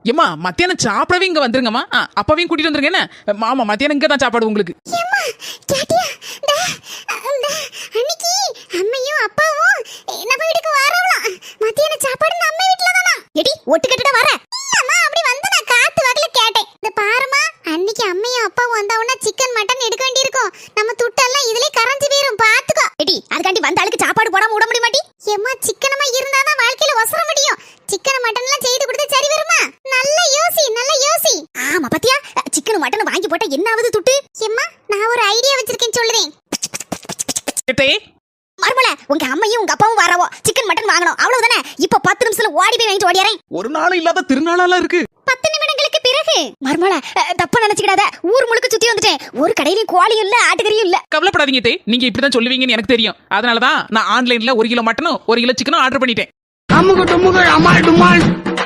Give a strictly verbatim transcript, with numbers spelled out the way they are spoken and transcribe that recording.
ஏமா மத்தியானம் சாப்பிடவே இங்க வந்துருங்கம்மா. அப்பாவையும் கூட்டிட்டு வந்துருங்க. என்ன மாமா மத்தியானம் இங்க தான் சாப்பாடு உங்களுக்கு. அன்னைக்கு அம்மையும் அப்பாவும் நம்ம வீட்டுக்கு வரவலாம். மத்தியானம் சாப்பாடு நம்ம வீட்ல தானா? எடி ஒட்டு கட்டட வர. இல்லம்மா அப்படி வந்து நான் காத்து வகல கேட்டேன். இந்த பாருமா அன்னைக்கு அம்மையும் அப்பாவும் வந்தாவனா சிக்கன் மட்டன் எடுக்க வேண்டியிருக்கும். நம்ம துட்டெல்லாம் இதுலயே கரஞ்சு போயிரும் பாத்துக்கோ. எடி அதுக்காண்டி வந்த ஆளுக்கு சாப்பாடு போடாம விட முடிய மாட்டி. ஏம்மா சிக்கனமா இருந்தாதான் வாழ்க்கையில ஒசர முடியும். சிக்கன் மட்டன் எல்லாம் செய்து கொடுத்து சரி வருமா? நல்ல யோசி நல்ல யோசி. ஆமா பாத்தியா சிக்கன் மட்டன் வாங்கி போட்டா என்ன ஆகுது துட்டு? ஏம்மா நான் ஒரு ஐடியா வச்சிருக்கேன் சொல்றேன். மர்மல உங்க அம்மையும் உங்க அப்பாவும் வரவோ சிக்கன் மட்டன் வாங்கணும் அவ்வளவுதானே. இப்ப பத்து நிமிஷத்துல ஓடி போய் வாங்கிட்டு ஓடியாரேன். ஒரு நாள் இல்லாத திருநாளால இருக்கு. பத்து நிமிடங்களுக்கு பிறகு மர்மல தப்பா நினைச்சுக்கிடாத. ஊர் முழுக்க சுத்தி வந்துட்டேன். ஒரு கடையிலயும் கோழியும் இல்ல ஆட்டுக்கறியும் இல்ல. கவலைப்படாதீங்க தே, நீங்க இப்படிதான் சொல்லுவீங்கன்னு எனக்கு தெரியும். அதனாலதான் நான் ஆன்லைன்ல ஒரு கிலோ மட்டனும் ஒரு கிலோ சிக்கனும் ஆர்டர் பண்ணிட்டேன்.